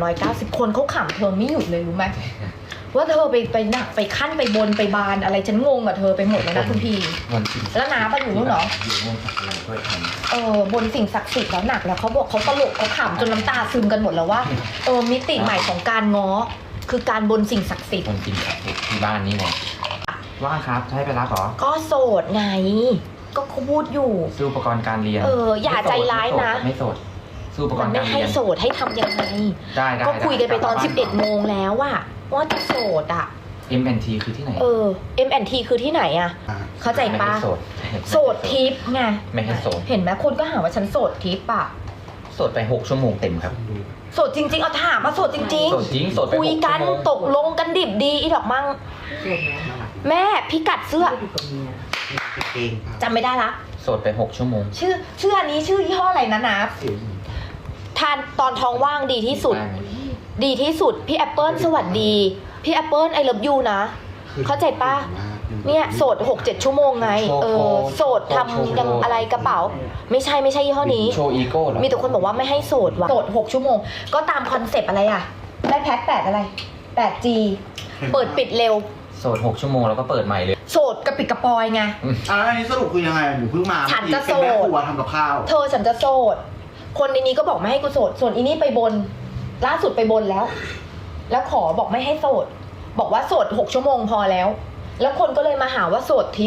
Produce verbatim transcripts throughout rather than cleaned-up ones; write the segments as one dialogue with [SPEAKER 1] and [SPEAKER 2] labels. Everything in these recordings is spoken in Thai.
[SPEAKER 1] ร้อยเก้าสิบคนเขาขำเธอไม่หยุดเลยรู้ไหมว่าเธอไปไปหนักไปขั้นไปบนไปบานอะไรฉันงงกับเธอไปหมดเลยนะคุณพี่แล้วน้าปะอยู่นู่นเหรอ
[SPEAKER 2] อยู่นู่นทำอะไรก็ทำ
[SPEAKER 1] เออบนสิ่งศักดิ์สิทธิ์แล้วหนักแล้วเขาบอกเขาตลกเขาขำจนน้ำตาซึมกันหมดแล้วว่าเออมิติใหม่ของการง้อคือการบนสิ่งศักดิ์สิทธิ์
[SPEAKER 2] บนสิ่งศักดิ์สิทธิ์ที่บ้านนี่ไงว่างครับให้ไปรับเหรอ
[SPEAKER 1] ก็โสดไงก็เขาพูดอยู่
[SPEAKER 2] ซื้ออุปกรณ์การเรียน
[SPEAKER 1] เอออย่าใจร้ายนะ
[SPEAKER 2] ไม่โสดซื้ออุปกรณ์
[SPEAKER 1] ไม่
[SPEAKER 2] การเรียน
[SPEAKER 1] ให้โสดให้ทำยังไง
[SPEAKER 2] ได้ได้
[SPEAKER 1] ก็คุยกันไปตอนสิบเอ็ดโมงแล้วอะว่าจะโสดอะ
[SPEAKER 2] เอ็ม แอนด์ ที คือที่ไหน
[SPEAKER 1] เออ เอ็ม แอนด์ ที คือที่ไหนอะเข้าใจปะ
[SPEAKER 2] โสด
[SPEAKER 1] โสดทิปไง
[SPEAKER 2] ไม่ให้โสด
[SPEAKER 1] เห็นไหมคนก็หาว่าฉันโสดทิปอะ
[SPEAKER 2] โสดไปหกชั่วโมงเต็มครับ
[SPEAKER 1] โสดจริงๆเอาถามมาโสดจริงๆ
[SPEAKER 2] โสดจริงโสดไป
[SPEAKER 1] คุยกันตกลงกันดิบดีอีดอกมั่งแม่พิกัดเสื้อจำไม่ได้ละ
[SPEAKER 2] โสดไปหกชั่วโมง
[SPEAKER 1] ชื่อชื่ออันนี้ชื่อยี่ห้ออะไรนะนับทานตอนท้องว่างดีที่สุดดีที่สุดพี่แอปเปิลสวัสดีพี่แอปเปิลไอเลิฟยูนะเข้าใจปะเนี่ยโสดหกเจ็ดชั่วโมงไงเออโสดทำยังอะไรกระเป๋าไม่ใช่ไม่ใช่ยี่ห้อนี้
[SPEAKER 2] โชว์อีโก้เหรอ
[SPEAKER 1] มีแต่คนบอกว่าไม่ให้โสดว่ะโสดหกชั่วโมงก็ตามคอนเซปต์อะไรอ่ะได้แพ็คแปดอะไร แปดจี เปิดปิดเร็ว
[SPEAKER 2] โสดหกชั่วโมงแล้วก็เปิดใหม่เลย
[SPEAKER 1] โสดกระปิดกระปอยไง
[SPEAKER 3] อ่าอันนี้สรุปคือยังไงหนูเพิ่งมา
[SPEAKER 1] ฉันจะโสด
[SPEAKER 3] เป็นแม่ครัวทำกับข้าว
[SPEAKER 1] เธอฉันจะโสดคนในนี้ก็บอกไม่ให้กูโสดส่วนอีนี่ไปบนล่าสุดไปบนแล้วแล้วขอบอกไม่ให้โสดบอกว่าโสดหกชั่วโมงพอแล้วแล้วคนก็เลยมาหาว่าโสดทิป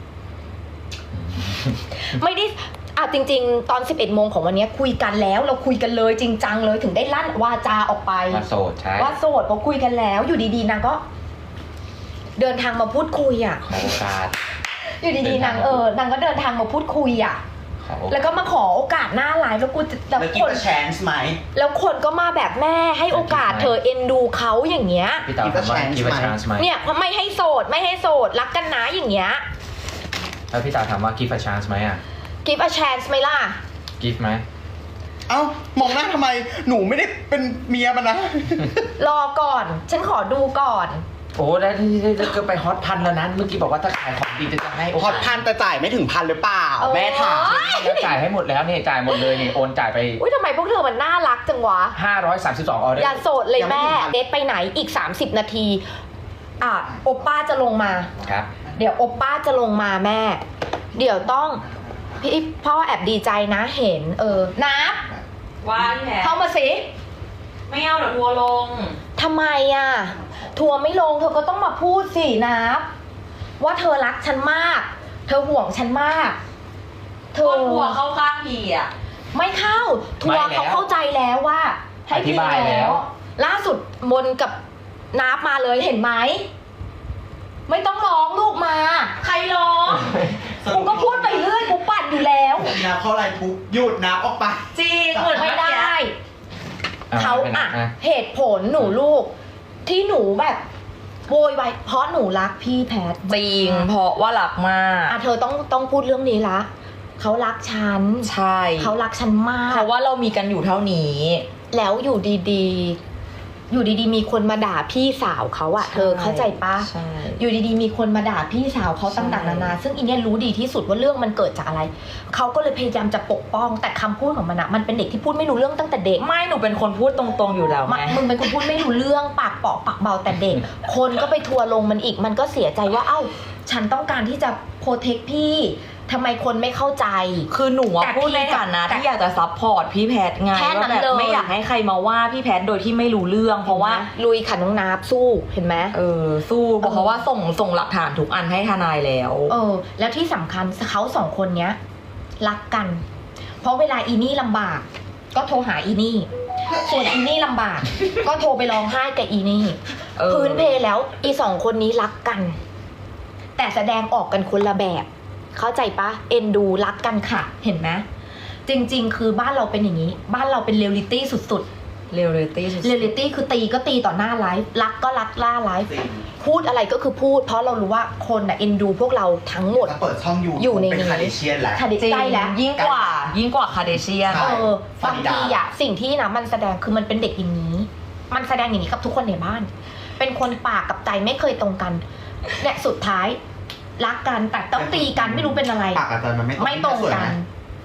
[SPEAKER 1] ไม่ได้อ่ะจริงๆตอนสิบเอ็ดโมงของวันนี้คุยกันแล้วเราคุยกันเลยจริงจังเลยถึงได้ลั่นวาจาออกไป
[SPEAKER 2] ว่าโสดใช่
[SPEAKER 1] ว่าโสดเพราะคุยกันแล้วอยู่ดีๆนางก็เดินทางมาพูดคุยอ่ะ
[SPEAKER 2] ขอโอกาส
[SPEAKER 1] อยู่ดีๆนางเออนางก็เดินทางมาพูดคุยอ่ะแล้วก็มาขอโอกาสหน้าไลฟ์แล้วกูจะ
[SPEAKER 3] แล้วคนแชนส์ไหม
[SPEAKER 1] แล้วคนก็มาแบบแม่ให้โอกาสเธอเอ็นดูเขาอย่างเงี้ย
[SPEAKER 2] พี่เต๋อถามว่ากิฟต์ชานส์ไหม
[SPEAKER 1] เนี่ยไม่ให้โสดไม่ให้โสดรักกันนะอย่างเงี้ย
[SPEAKER 2] แล้วพี่เต๋อถามว่ากิฟต์ชานส์ไหมอ่ะ
[SPEAKER 1] กิฟต์ชานส์ไหมล่ะ
[SPEAKER 2] กิฟต์ไหม
[SPEAKER 3] เอ้ามองหน้าทำไมหนูไม่ได้เป็นเมียมันนะ
[SPEAKER 1] รอก่อนฉันขอดูก่อน
[SPEAKER 2] โอ้แล้วที่จะไปฮอตพันแล้วนั้นเมื่อกี้บอกว่าถ้าขายของดีจะจะให้
[SPEAKER 3] ฮอตพันแต่จ่ายไม่ถึงพันหรือเปล่าแม่ถาม
[SPEAKER 2] แล้วจ่ายให้หมดแล้วเนี่ยจ่ายหมดเลยนี่โอนจ่ายไป
[SPEAKER 1] อุ้ยทำไมพวกเธอมันน่ารักจังวะ
[SPEAKER 2] ห้าร้อยสามสิบสองออเดอร์
[SPEAKER 1] อย่าโสดเลยแม่เดทไปไหนอีกสามสิบนาทีอ่ะโอป้าจะลงมา
[SPEAKER 2] ครับ
[SPEAKER 1] เดี๋ยวโอป้าจะลงมาแม่เดี๋ยวต้องพี่พ่อแอบดีใจนะเห็นเออนับ
[SPEAKER 4] ว่าแหละ
[SPEAKER 1] เข้ามาสิ
[SPEAKER 4] ไม่เอาเดี๋ยวทัวร์ลง
[SPEAKER 1] ทำไมอ่ะทัวร์ไม่ลงเธอก็ต้องมาพูดสินับว่าเธอรักฉันมากเธอห่วงฉันมาก
[SPEAKER 4] เธอทัวร์เข้าข้างพี่อ่ะ
[SPEAKER 1] ไม่เข้าทัวร์เขาเข้าใจแล้วว่า
[SPEAKER 2] ให้พี่แล้ว
[SPEAKER 1] ล่าสุดบนกับนับมาเลยเห็นไหมไม่ต้องร้องลูกมา
[SPEAKER 4] ใครร้อง
[SPEAKER 1] กูก็พูดไปเรื่อยกูปั่นอยู่แล้ว
[SPEAKER 3] นับเข้าอะไรปุ๊บหยุดนับออกไป
[SPEAKER 1] จริงเหมือนไม่ได้เขาอ่ะเหตุผลหนูลูกที่หนูแบบโวยวายเพราะหนูรักพี่แพท
[SPEAKER 4] จริงเพราะว่ารักมาก
[SPEAKER 1] อ่ะเธอต้องต้องพูดเรื่องนี้ละเขารักฉัน
[SPEAKER 4] ใช่
[SPEAKER 1] เขารักฉันมาก
[SPEAKER 4] เพราะว่าเรามีกันอยู่เท่านี้
[SPEAKER 1] แล้วอยู่ดีๆอยู่ดีๆมีคนมาด่าพี่สาวเขาอะเธอเข้าใจปะอยู่ดีๆมีคนมาด่าพี่สาวเขาต่างๆนานาซึ่งอีเนี่ยรู้ดีที่สุดว่าเรื่องมันเกิดจากอะไรเขาก็เลยพยายามจะปกป้องแต่คำพูดของมันอะมันเป็นเด็กที่พูดไม่รู้เรื่องตั้งแต่เด็ก
[SPEAKER 4] ไม่หนูเป็นคนพูดตรงๆอยู่แล้วไง
[SPEAKER 1] มึงเป็นคนพูดไม่รู้เรื่องปากเปาะปากเบาแต่เด็กคนก็ไปทัวร์ลงมันอีกมันก็เสียใจว่าเอ้าฉันต้องการที่จะโปรเทคพี่ทำไมคนไม่เข้าใจ
[SPEAKER 4] คือหนูพูดในฐานะที่อยากจะซัพพอร์ตพี่แพทไงว่าแบบไม่อยากให้ใครมาว่าพี่แพทโดยที่ไม่รู้เรื่องเพราะว่า
[SPEAKER 1] ลุยขันน้องนาบสู้เห็นไหม
[SPEAKER 4] เออสู้เพราะว่าส่งส่งหลักฐานทุกอันให้ทนายแล้ว
[SPEAKER 1] เออแล้วที่สำคัญเขาสองคนเนี้ยรักกันเพราะเวลาอีนี่ลำบากก็โทรหาอีนี่ส่วนอีนี่ลำบากก็โทรไปร้องไห้กับอีนี่พื้นเพแล้วอีสองคนนี้รักกันแต่แสดงออกกันคนละแบบเข้าใจปะเอ็นดูรักกันค่ะเห็นไหมจริงๆคือบ้านเราเป็นอย่างนี้บ้านเราเป็นเรียลลิตี้สุดๆ
[SPEAKER 4] เรียลลิตี้
[SPEAKER 1] เรียลลิตี้คือตีก็ตีต่อหน้าไลฟ์รักก็รักล่าไลฟ์พูดอะไรก็คือพูดเพราะเรารู้ว่าคนน่ะเอ็นดูพวกเราทั้งหมด
[SPEAKER 3] เปิดช่องอยู่
[SPEAKER 1] อยู่ใน
[SPEAKER 3] นี้คาเดเชียนแหละ
[SPEAKER 1] คาเดเชียนแล้ว
[SPEAKER 4] ยิ่งกว่ายิ่งกว่าคาเดเชียน
[SPEAKER 1] เออบางทีอะสิ่งที่นะมันแสดงคือมันเป็นเด็กอย่างนี้มันแสดงอย่างนี้กับทุกคนในบ้านเป็นคนปากกับใจไม่เคยตรงกันเนี่ยสุดท้ายรักกันแต่ต้องตีกันไม่รู้เป็นอะไร
[SPEAKER 3] ปากกับใจมันไม่
[SPEAKER 1] ไม่ตรงกัน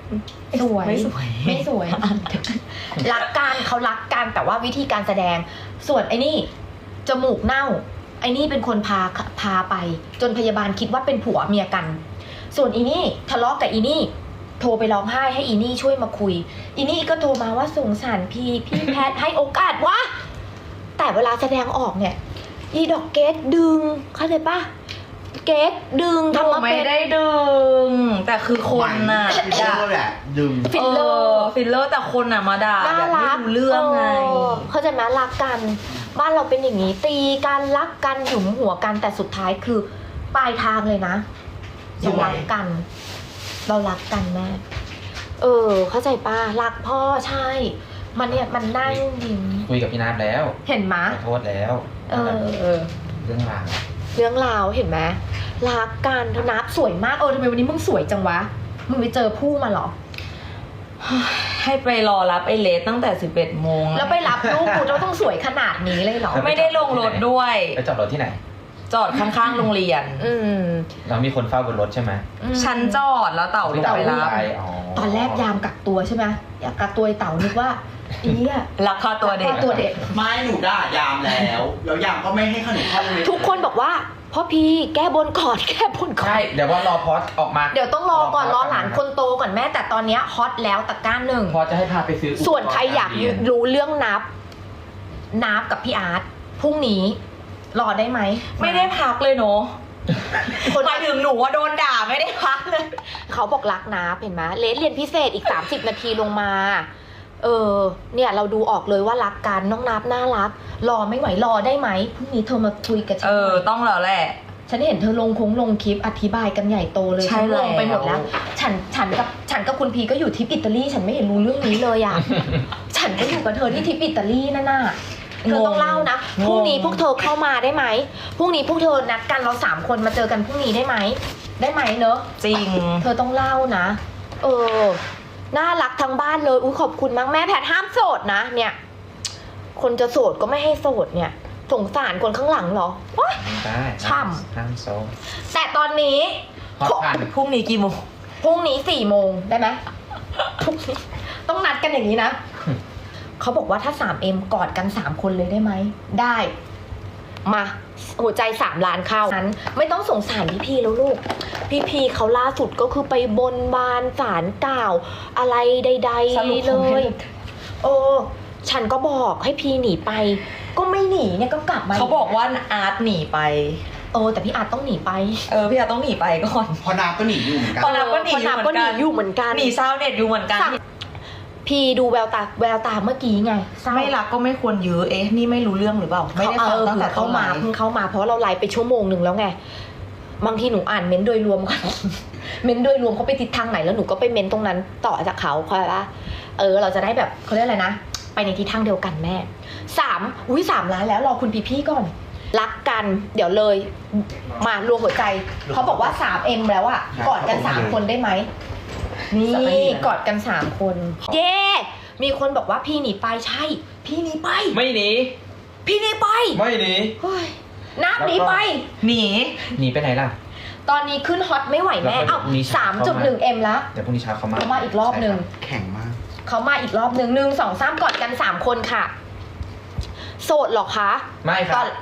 [SPEAKER 1] สวย
[SPEAKER 4] ไม่สวย
[SPEAKER 1] ไม่สวย รักกันเขารักกันแต่ว่าวิธีการแสดง ส่วนไอ้นี่จมูกเน่า ไอ้นี่เป็นคนพาพาไป จนพยาบาลคิดว่าเป็นผัวเมียกัน ส่วนอีนี่ทะเลาะกับอีนี่ โทรไปร้องไห้ให้อีนี่ช่วยมาคุย อีนี่ก็โทรมาว่าสงสารพี่พี่แพทย์ให้โอกาสวะแต่เวลาแสดงออกเนี่ย อีดอกเกตดึงเข้าใจปะเกตดึง
[SPEAKER 4] หนู
[SPEAKER 1] ทำมา
[SPEAKER 4] ไม่
[SPEAKER 1] เป็น
[SPEAKER 4] ได้ดึง แต่คือคนน่ะ
[SPEAKER 3] ฟิลเลอร์แหละดึง
[SPEAKER 1] ฟิลเลอร์
[SPEAKER 4] ฟิลเลอร์แต่คนน่ะมาด่า
[SPEAKER 1] น่า
[SPEAKER 4] แบบไม่
[SPEAKER 1] รัก
[SPEAKER 4] รู้เรื่องไง
[SPEAKER 1] เข้าใจไหมรักกัน บ้านเราเป็นอย่างนี้ ตีกันรักกันหยุมหัวกันแต่สุดท้ายคือปลายทางเลยนะเรารักกัน เรารักกันแม่เออ เข้าใจป้ารักพ่อใช่ มันเนี่ยมันนั่งยิ้ม
[SPEAKER 2] คุยกับพี่นัทแล้ว
[SPEAKER 1] เห็นไหม
[SPEAKER 2] ขอโทษแล้ว
[SPEAKER 1] เออเออ
[SPEAKER 2] เรื่องราว
[SPEAKER 1] เรื่องราวเห็นไหมรักกันเธอนับสวยมากเออทำไมวันนี้มึงสวยจังวะมึงไปเจอผู้มาเหรอ
[SPEAKER 4] ให้ไปรอรับไอเลสตั้งแต่สิบเอ็ดโมง
[SPEAKER 1] แล้วไปรับลูกกูจะต้องสวยขนาดนี้เลยเหรอ
[SPEAKER 4] ไม่ได้ลงรถด้วย
[SPEAKER 2] ไปจอดรถที่ไหน
[SPEAKER 4] จอดข้างๆโรงเรียน
[SPEAKER 1] อืม
[SPEAKER 2] เรามีคนเฝ้าบนรถใช่ไหม
[SPEAKER 1] อืม
[SPEAKER 4] ฉันจอดแล้วเต่าลงไปรับ
[SPEAKER 2] ไปอ๋อ
[SPEAKER 1] ตอนแรกยามกักตัวใช่ไหมอยากกักตัวไอ้เต่านึกว่าอีเนี่ย
[SPEAKER 4] ราคาตัวเด็ก
[SPEAKER 1] กัตัวเด็ก
[SPEAKER 3] ไม่หนูด่ายามแล้ว แล้วยามก็ไม่ให้ขนมเข้าโรงเรียน
[SPEAKER 1] ทุกคนบอกว่าพ่อพี่แก้บนก่อนแก้บนก่อน
[SPEAKER 2] ใช่ เดี๋ยวว่ารอพอสออกมา
[SPEAKER 1] เดี๋ยวต้องรอก่อนรอหลานคนโตก่อนแม่แต่ตอนเนี้ยฮอตแล้วตะกร้าหนึ่ง
[SPEAKER 2] พอจะให้พาไปซื้อ
[SPEAKER 1] ส่วนใครอยากรู้เรื่องนับ นับกับพี่อาร์ตพรุ่งนี้ รอได้ไหม
[SPEAKER 4] ไม่ได้พักเลยเนาะ
[SPEAKER 1] คน
[SPEAKER 4] หมายถึงหนูว่าโดนด่าไม่ได้พักเลย
[SPEAKER 1] เขาบอกรักนับเห็นไหมเลสเรียนพิเศษอีกสามสิบนาทีลงมา เออ เนี่ยเราดูออกเลยว่ารักกันน้องนับน่ารัก รอไม่ไหวรอได้ไหมพรุ่งนี้เธอมาคุยกับฉั
[SPEAKER 4] เอน
[SPEAKER 1] ห
[SPEAKER 4] อ
[SPEAKER 1] น่อย
[SPEAKER 4] ต้องแล้วแหละ
[SPEAKER 1] ฉันเห็นเธอลงคงลงคลิปอธิบายกันใหญ่โตเลย
[SPEAKER 4] ใช่
[SPEAKER 1] ฉันลงไปหมด
[SPEAKER 4] แล้
[SPEAKER 1] แล้ว ว ฉันฉันกับฉันกับคุณพีก็อยู่ทริปอิตาลีฉันไม่เห็นรู้เรื่องนี้เลยอ่ะ ฉันก็อยู่กับเธอที่ทริปอิตาลีนั่นน่ะเธอต้องเล่านะพรุ่งนี้พวกเธอเข้ามาได้ไหมพรุ่งนี้พวกเธอนัดกันเราสามคนมาเจอกันพรุ่งนี้ได้ไหมได้ไหมเนอะ
[SPEAKER 4] จริง
[SPEAKER 1] เธอต้องเล่านะ เออน่ารักทั้งบ้านเลยอุ้ยขอบคุณมากแม่แพทห้ามโสดนะเนี่ย คนจะโสดก็ไม่ให้โสดเนี่ยสงสารคนข้างหลังเหรอโอ๊ย
[SPEAKER 2] ได้
[SPEAKER 1] ช่ำ
[SPEAKER 2] ห้ามโซ
[SPEAKER 1] แต่ตอนนี้
[SPEAKER 2] ฮอตพัน
[SPEAKER 4] พรุ่งนี้กี่โมง
[SPEAKER 1] พรุ่งนี้สี่โมงได้ไหมพรุ่งนี้ต้องนัดกันอย่างนี้นะ เขาบอกว่าถ้า สาม เอ็ม กอดกันสามคนเลยได้ไหม ได้ มา หัวใจสามล้านเข้านั้น ไม่ต้องสงสารพี่พีแล้วลูก พี่พีเขาล่าสุดก็คือไปบนบานศาลกล่าว อะไรใด
[SPEAKER 4] สรุป
[SPEAKER 1] ๆเล
[SPEAKER 4] เขาไม่
[SPEAKER 1] ย
[SPEAKER 4] ได้
[SPEAKER 1] โอ้ฉันก็บอกให้พีหนีไป ก็ไม่หนีเนี่ยก็กลับมา
[SPEAKER 4] เขาบอกว่าอาร์ตหนีไป
[SPEAKER 1] เออแต่พี่อาจต้องหนีไป
[SPEAKER 4] เออพี่อาร์ตต้องหนีไปก่อน
[SPEAKER 3] พอนาก็หนีอยู่เหมือนกัน
[SPEAKER 4] พอนับก็หนี
[SPEAKER 1] พอนับก็หนีอยู่เหมือนกัน
[SPEAKER 4] หนีชาวเน็ตอยู่เหมือนกัน
[SPEAKER 1] พีดูแววตาแววตาเมื่อกี้ไงเศร้า
[SPEAKER 4] ไม่รักก็ไม่ควรยื้อเอ๊ะนี่ไม่รู้เรื่องหรือเปล่า ไม่ได้ฟัง
[SPEAKER 1] เออ
[SPEAKER 4] ตั้งแต่
[SPEAKER 1] เข้า
[SPEAKER 4] ต้น
[SPEAKER 1] มา
[SPEAKER 4] ไล
[SPEAKER 1] เพิ่ง
[SPEAKER 4] ฟ์
[SPEAKER 1] เข้ามาเพราะเราไลฟ์ไปชั่วโมงหนึ่งแล้วไงบางทีหนูอ่านเม้นต์โดยรวมก่อน เม้นต์โดยรวมเขาไปทิศทางไหนแล้วหนูก็ไปเม้นต์ตรงนั้นต่อจากเขาเข้าใจปะเออ เราจะได้แบบเขาเรียกอะไรนะไปในทิศทางเดียวกันแม่สามอุ้ยสามล้านแล้วรอคุณพี่พี่ก่อน รักกันเดี๋ยวเลย มารวมหัวใจเขาบอกว่า สาม เอ็ม แล้วอะกอดกันสามคนได้ไหมนี่กอดกันสามคนเย้มีคนบอกว่าพี่หนีไปใช่ พี่หนีไป
[SPEAKER 2] ไม่หนี
[SPEAKER 1] พี่หนีไป
[SPEAKER 2] ไม่หนี
[SPEAKER 1] เฮ้ยนับหนีไป
[SPEAKER 4] หนี
[SPEAKER 2] หนีไปไหนล่ะ
[SPEAKER 1] ตอนนี้ขึ้นฮอตไม่ไหวแม่
[SPEAKER 2] แล้วก็
[SPEAKER 1] เอ้า
[SPEAKER 2] มี
[SPEAKER 1] สา
[SPEAKER 2] ฉาก
[SPEAKER 1] ม
[SPEAKER 2] เข้า
[SPEAKER 1] จุด
[SPEAKER 2] มา
[SPEAKER 1] หนึ่งเอ็มแล้ว
[SPEAKER 2] เดี๋ยวพรุ่งนี้เช้าเขามา
[SPEAKER 1] เขามาอีกรอบหนึ่ง
[SPEAKER 3] แข็งมาก
[SPEAKER 1] เขามาอีกรอบหนึ่งหนึ่งสองสามกอดกันสามคนค่ะ โสดเหรอคะ
[SPEAKER 2] ไม่ค
[SPEAKER 1] ต
[SPEAKER 2] รั
[SPEAKER 1] อบ น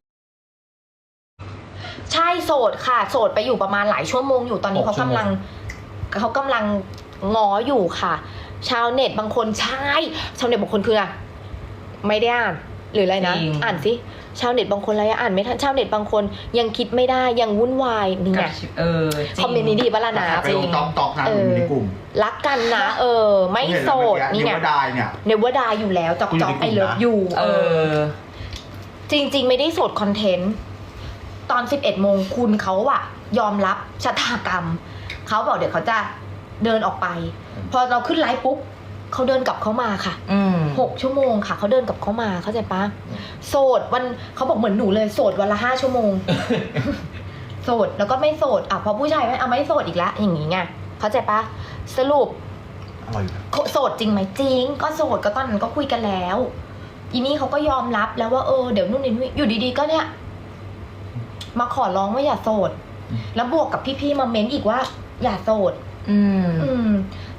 [SPEAKER 1] ใช่โสดค่ะ โสดไปอยู่ประมาณหลายชั่วโมงอยู่ตอนนี้
[SPEAKER 2] หก
[SPEAKER 1] เขา
[SPEAKER 2] ชั่ว
[SPEAKER 1] กำ
[SPEAKER 2] โมง
[SPEAKER 1] ลังเขากำลังง้ออยู่ค่ะ ชาวเน็ตบางคนใช่ชาวเน็ตบางคนคืออะไม่ได้อ่านหรืออะไรนะ
[SPEAKER 4] จริง
[SPEAKER 1] อ่านสิชาวเน็ตบางคนอะไรอะอ่านไม่ทันชาวเน็ตบางคนยังคิดไม่ได้ยังวุ่นวายนี่ไง
[SPEAKER 4] เออจริง
[SPEAKER 1] คอมเมนต์นี้ดีปะล่ะนะ
[SPEAKER 3] ไปลงต๊อกต๊อกนะ
[SPEAKER 1] เออ
[SPEAKER 3] ในกลุ่ม
[SPEAKER 1] รักกันนะ เออ ไม่โสดนี่
[SPEAKER 3] นี่
[SPEAKER 1] ไง
[SPEAKER 3] ว่าได้เนี่ย
[SPEAKER 1] เนวดาอยู่แล้วจอก
[SPEAKER 3] กูอยู่
[SPEAKER 1] จอก
[SPEAKER 3] ในกลุ่ม
[SPEAKER 1] ไอเลิฟ
[SPEAKER 3] นะ
[SPEAKER 1] อยู่
[SPEAKER 4] เออ
[SPEAKER 1] จริง ๆ ไม่ได้โสดคอนเทนต์ ตอนสิบเอ็ดโมงคุณเขาอะยอมรับชะตากรรม เขาบอกเดี๋ยวเขาจะเดินออกไป พอเราขึ้นไลฟ์ปุ๊บเขาเดินกลับเขามาค่ะ
[SPEAKER 4] อืม
[SPEAKER 1] หกชั่วโมงค่ะเขาเดินกลับเขามาเข้าใจปะโสดวันเขาบอกเหมือนหนูเลยโสดวันละห้าชั่วโมง โสดแล้วก็ไม่โสดอ่ะพอผู้ชายไม่เอาไม่โสดอีกแล้วอย่างงี้ไงเข้าใจปะสรุป
[SPEAKER 3] อร่อยอยู่นะ
[SPEAKER 1] โสดจริงไหมจริง ก็โสดก็ตอนนั้นก็คุยกันแล้ว อีนี่เขาก็ยอมรับแล้วว่าเออเดี๋ยวนู่นนี่นี่อยู่ดีๆก็เนี่ย มาขอร้องว่าอย่าโสด แล้วบวกกับพี่ๆมาเม้นอีกว่า อย่าโสด
[SPEAKER 4] อืม
[SPEAKER 1] อืม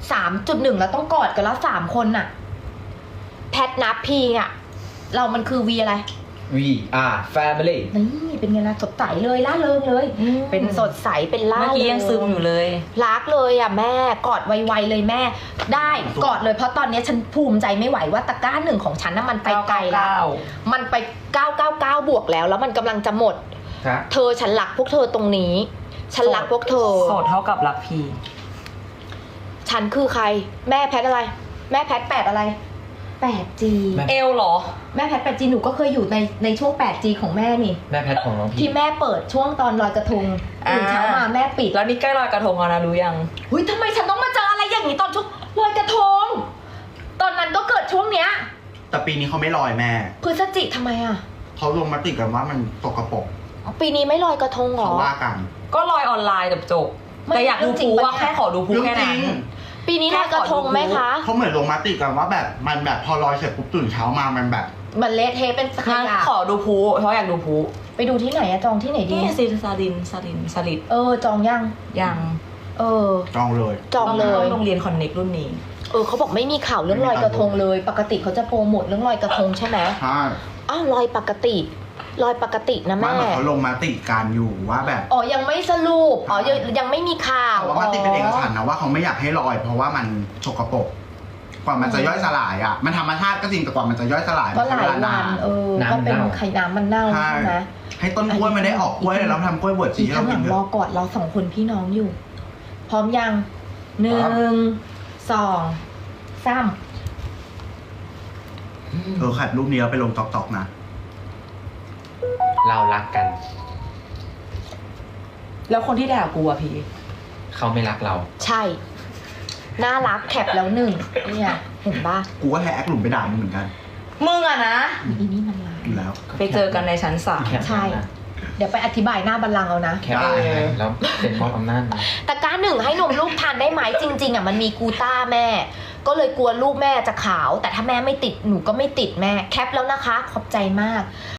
[SPEAKER 1] สามจุดหนึ่งแล้วต้องกอดกันแล้วสามคนน่ะ แพทนับพีอ่ะ เรามันคือวีอะไร
[SPEAKER 2] We are family
[SPEAKER 1] นี่เป็นไงล่ะสดใสเลยล่าเริงเลย
[SPEAKER 4] อืม
[SPEAKER 1] เป็นสดใสเป็นล่า
[SPEAKER 4] เมื่อกี้ยังซึมอยู่เลย
[SPEAKER 1] รักเลยอ่ะแม่กอดไวๆเลยแม่ ได้กอดเลยเพราะตอนนี้ฉันภูมิใจไม่ไหวว่าตะกร้าหนึ่งของฉันน่ะมันไปไกลแล้ว มันไปเก้าเก้าเก้าบวกแล้ว แล้วมันกำลังจะหมด
[SPEAKER 2] ครับ
[SPEAKER 1] เธอฉันรักพวกเธอตรงนี้ ฉันรักพวกเธอ
[SPEAKER 4] โสดเท่ากับรักพี
[SPEAKER 1] ฉันคือใคร แม่แพทอะไร แม่แพทแปดอะไร แปดจี
[SPEAKER 2] แม่
[SPEAKER 4] เอลเหรอ
[SPEAKER 1] แม่แพทแปดจีหนูก็เคยอยู่ในในช่วง แปดจี ของแม่นี่
[SPEAKER 2] แม่แพทของน้องพี
[SPEAKER 1] ที่แม่เปิดช่วงตอนลอยกระทง
[SPEAKER 4] อ่า
[SPEAKER 1] ตื่นเช้ามาแม่ปิด
[SPEAKER 4] แล้วนี่ใกล้ลอยกระทงแล้วนะรู้ยัง
[SPEAKER 1] เฮ้ยทำไมฉันต้องมาเจออะไรอย่างนี้ตอนช่วงลอยกระทง ตอนนั้นก็เกิดช่วงเนี้ย
[SPEAKER 3] แต่ปีนี้เขาไม่ลอยแม่
[SPEAKER 1] พฤศจิทำไมอ่ะ
[SPEAKER 3] เขาลงมติกันว่ามันตกกระปรก
[SPEAKER 1] ปีนี้ไม่ลอยกระทงเหร
[SPEAKER 3] เขา
[SPEAKER 1] อ
[SPEAKER 3] ว่ากัน
[SPEAKER 4] ก็ลอยออนไลน์จบจบ
[SPEAKER 1] ไม่
[SPEAKER 4] แต่อยากดู
[SPEAKER 1] เรื่องจริ
[SPEAKER 4] พู
[SPEAKER 1] งปะ
[SPEAKER 4] ว่า
[SPEAKER 1] เนี่ย
[SPEAKER 4] แค่ขอดูพู
[SPEAKER 3] เรื่อง
[SPEAKER 4] แค่
[SPEAKER 3] จ
[SPEAKER 4] นั้
[SPEAKER 3] ริ
[SPEAKER 4] น
[SPEAKER 3] ง
[SPEAKER 1] ปีนี้ลอยกระทงไหมคะ
[SPEAKER 3] เขาเหมือนลงมติกันว่าแบบมันแบบพอลอยเสร็จปุ๊บตื่นเช้ามามันแบบ
[SPEAKER 1] มันเละเทะเป็นข
[SPEAKER 4] งั้น
[SPEAKER 1] ยะ
[SPEAKER 4] ขอดูพูเพราะอยากดูพู
[SPEAKER 1] ไปดูที่ไหนอะจองที่ไหนดี
[SPEAKER 4] นี่ซินซาลินซาลินซาลิด
[SPEAKER 1] เออจองยัง
[SPEAKER 4] ยัง
[SPEAKER 1] เออ
[SPEAKER 3] จองเลย
[SPEAKER 1] จองเล
[SPEAKER 4] ต้อย งโรงเรียนคอนเน็กรุ่นนี้
[SPEAKER 1] เออเขาบอกไม่มีข่าวเรื่องลอยกระทงเลย ปกติเขาจะโปรโมทเรื่องลอยกระทงใช่ไหม
[SPEAKER 3] ใช่
[SPEAKER 1] อ้าวลอยปกติลอยปกตินะ
[SPEAKER 3] ว่า
[SPEAKER 1] แม่
[SPEAKER 3] เหมือนเขาลงมติกันอยู่ว่าแบบ
[SPEAKER 1] อ๋อยังไม่สรุปอ๋อยังยังไม่มีข่าว
[SPEAKER 3] แต่ว่ามติเป็นเอกฉันท์นะว่าเขาไม่อยากให้ลอย เพราะว่ามันสกปรกกว่ามันจะย่อยสลายอ่ะมันธรรมชาติก็จริงแต่กว่ามันจะย่อยสลาย
[SPEAKER 1] ก็
[SPEAKER 3] มัน
[SPEAKER 1] ห
[SPEAKER 3] ใช้
[SPEAKER 1] ลา
[SPEAKER 3] เวย ลา
[SPEAKER 1] วัน
[SPEAKER 3] นาน
[SPEAKER 1] เออก็เป็นไข่น้ำมันเน่า
[SPEAKER 3] ใช่
[SPEAKER 1] ใช่ไหม
[SPEAKER 3] ให้ต้นกล้วยมันได้ออกกล้วยแล้วทำกล้วยบวชชี
[SPEAKER 1] อีก
[SPEAKER 3] ให้
[SPEAKER 1] ข้า
[SPEAKER 3] เรา
[SPEAKER 1] งห
[SPEAKER 3] กิ
[SPEAKER 1] ลั
[SPEAKER 3] น
[SPEAKER 1] ง
[SPEAKER 3] เถ
[SPEAKER 1] รอ
[SPEAKER 3] อะ
[SPEAKER 1] กอดเราสองคนพี่น้องอยู่ พร้อมยังหนึ่งสองสาม
[SPEAKER 3] เออขัดรูปนี้แล้วไปลงตอกๆนะ
[SPEAKER 2] เรารักกัน
[SPEAKER 4] แล้วคนที่ด่ากูอะพี่
[SPEAKER 2] เขาไม่รักเรา
[SPEAKER 1] ใช่ น่ารักแคปแล้วหนึ่งเนี่ยเห็นป่ะ
[SPEAKER 3] กูก็แฮกหลุมไปด่ามึงเหมือนกัน
[SPEAKER 4] มึงอะนะ
[SPEAKER 1] อีนี่มันลาย
[SPEAKER 3] อยู่แล้ว
[SPEAKER 4] ไปเจอกันในชั้นสาม
[SPEAKER 2] แคป
[SPEAKER 1] ใช่ เดี๋ยวไปอธิบายหน้าบัลลังก์เอานะ
[SPEAKER 2] แคปแล้วเป็นมอบอำนาจนะ
[SPEAKER 1] ตะกร้าหนึ่งให้นมลูกทานได้ไหมจริง ๆอ่ะมันมีกูต้าแม่ ก็เลยกลัวลูกแม่จะขาว แต่ถ้าแม่ไม่ติดหนูก็ไม่ติดแม่แคปแล้วนะคะ ขอบใจมาก